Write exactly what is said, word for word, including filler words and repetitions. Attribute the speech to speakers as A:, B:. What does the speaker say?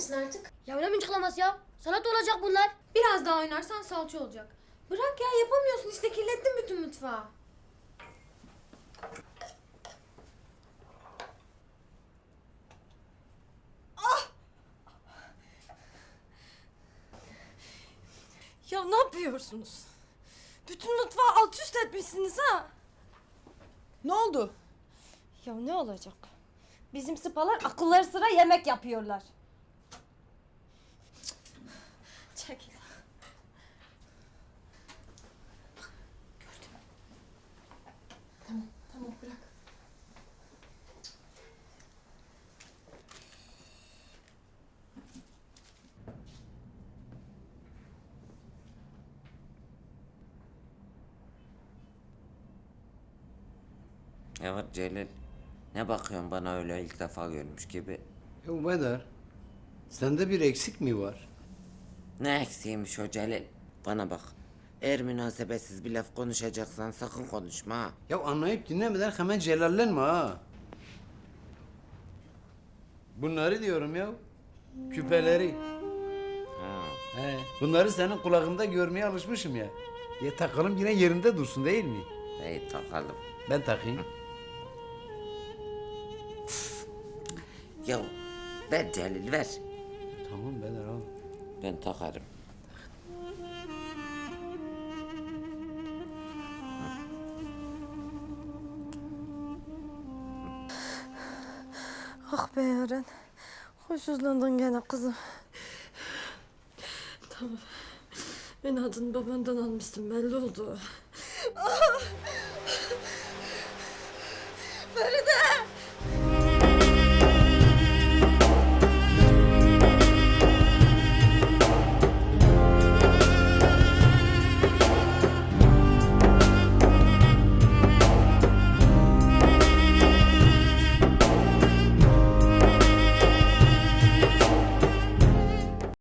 A: misin artık?
B: Ya öyle mıncıklamaz ya. Salat olacak bunlar.
A: Biraz daha oynarsan salça olacak. Bırak ya, yapamıyorsun işte, kirlettin bütün mutfağı.
C: Ya ne yapıyorsunuz? Bütün mutfağı alt üst etmişsiniz ha?
D: Ne oldu?
C: Ya ne olacak? Bizim sıpalar akılları sıra yemek yapıyorlar. Çekil.
A: Tamam, tamam bırak.
E: Evet Celil. Ne bakıyorsun bana öyle ilk defa görmüş gibi?
F: Ya Bedar, sende bir eksik mi var?
E: Ne eksiğiymiş o Celil? Bana bak. Eğer münasebetsiz bir laf konuşacaksan sakın konuşma ha.
F: Ya anlayıp dinlemeden hemen celallenme ha. Bunları diyorum ya. Küpeleri.
E: Ha.
F: He, bunları senin kulağında görmeye alışmışım ya. Ya takalım yine yerinde dursun değil mi?
E: İyi takalım.
F: Ben takayım.
E: Ya ver Celil ver.
F: Tamam Bedar al.
E: Ben takarım.
C: Ah be Yaren. Huysuzlandın gene kızım. Tamam. Ben adını babandan almıştım, belli oldu.